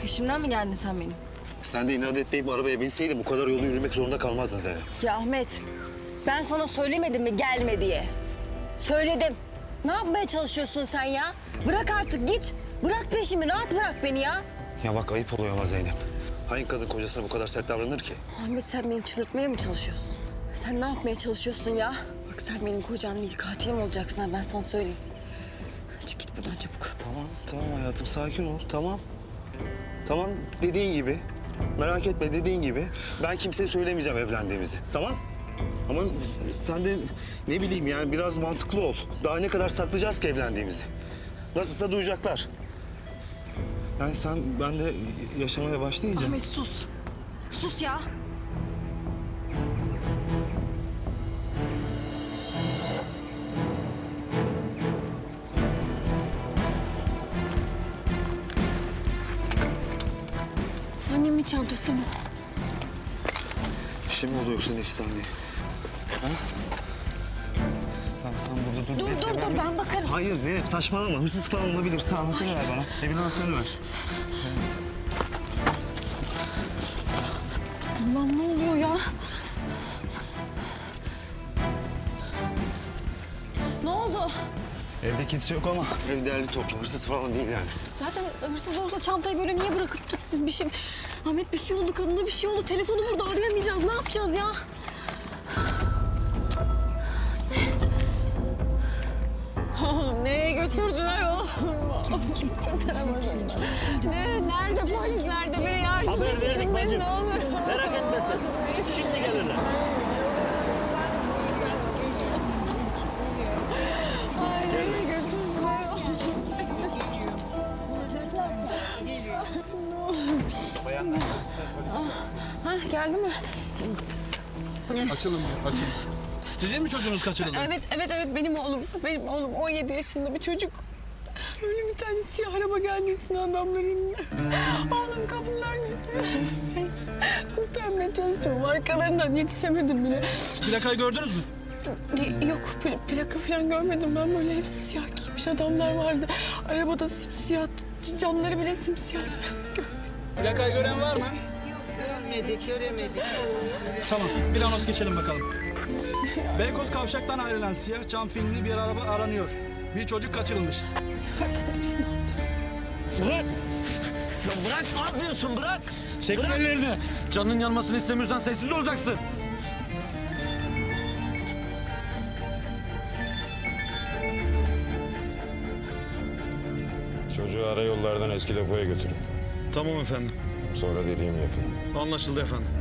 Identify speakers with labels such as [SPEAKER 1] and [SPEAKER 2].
[SPEAKER 1] Peşimden mi geldin sen benim?
[SPEAKER 2] Sen de inat etmeyip arabaya binseydin bu kadar yolu yürümek zorunda kalmazdın Zeynep.
[SPEAKER 1] Ya Ahmet, ben sana söylemedim mi gelme diye? Söyledim. Ne yapmaya çalışıyorsun sen ya? Bırak artık git. Bırak peşimi, rahat bırak beni ya.
[SPEAKER 2] Ya bak ayıp oluyor ama Zeynep. Hangi kadın kocasına bu kadar sert davranır ki?
[SPEAKER 1] Ahmet sen beni çıldırtmaya mı çalışıyorsun? Sen ne yapmaya çalışıyorsun ya? Bak sen benim kocam değil, katilim olacaksın ben sana söyleyeyim. Çık git buradan çabuk.
[SPEAKER 2] Tamam hayatım sakin ol tamam. Tamam dediğin gibi. Merak etme dediğin gibi. Ben kimseye söylemeyeceğim evlendiğimizi tamam? Ama sen de ne bileyim yani biraz mantıklı ol. Daha ne kadar saklayacağız ki evlendiğimizi? Nasılsa duyacaklar. Yani ben de yaşamaya başlayınca...
[SPEAKER 1] Ahmet sus. Sus ya. Annemin çantası bu.
[SPEAKER 2] Bir şey mi oldu yoksa Nefis'ten diye? Ha? Tamam sen burada dur.
[SPEAKER 1] Dur ben bakarım.
[SPEAKER 2] Hayır Zeynep saçmalama. Hırsız falan olabilir. Tamam anahtarı ver bana. Evin anahtarını ver.
[SPEAKER 1] Allah'ım ne oluyor ya? Ne oldu?
[SPEAKER 2] Evde kimse yok ama ev değerli toplu. Hırsız falan değil yani.
[SPEAKER 1] Zaten hırsız olsa çantayı böyle niye bırakıp gitsin bir şey? Ahmet bir şey oldu, kadına bir şey oldu. Telefonu burada arayamayacağız. Ne yapacağız ya? Oğlum nereye götürdüler oğlum? Kurtaramadım. Nerede polis? Nerede? Biri yardım
[SPEAKER 3] Haber verdik
[SPEAKER 1] etsin beni,
[SPEAKER 3] bacım.
[SPEAKER 1] ne olur.
[SPEAKER 3] Merak etme sen. Şimdi gelirler.
[SPEAKER 1] Ay nereye götürdüler Ha geldi mi?
[SPEAKER 4] Açılın.
[SPEAKER 5] Sizin mi çocuğunuz kaçırıldı?
[SPEAKER 1] Evet benim oğlum. Benim oğlum 17 yaşında bir çocuk. Öyle bir tane siyah araba geldi içine adamların. Oğlum kapılar kurtarmaya çalışıyorum. Arkalarından yetişemedim bile.
[SPEAKER 5] Plakayı gördünüz mü?
[SPEAKER 1] Yok plaka falan görmedim ben, böyle hepsi siyah giymiş adamlar vardı. Arabada simsiyah, camları bile simsiyah.
[SPEAKER 5] Plakayı gören var mı?
[SPEAKER 6] Göremedik.
[SPEAKER 5] Tamam, bir anons geçelim bakalım. Beykoz Kavşak'tan ayrılan siyah cam filmli bir araba aranıyor. Bir çocuk kaçırılmış.
[SPEAKER 1] Yardım için.
[SPEAKER 3] Bırak. Ya bırak ne yapıyorsun bırak.
[SPEAKER 5] Çekin ellerini.
[SPEAKER 7] Canının yanmasını istemiyorsan sessiz olacaksın.
[SPEAKER 8] Çocuğu ara yollardan eski depoya götürün.
[SPEAKER 4] Tamam efendim.
[SPEAKER 8] Sonra dediğimi yapın.
[SPEAKER 4] Anlaşıldı efendim.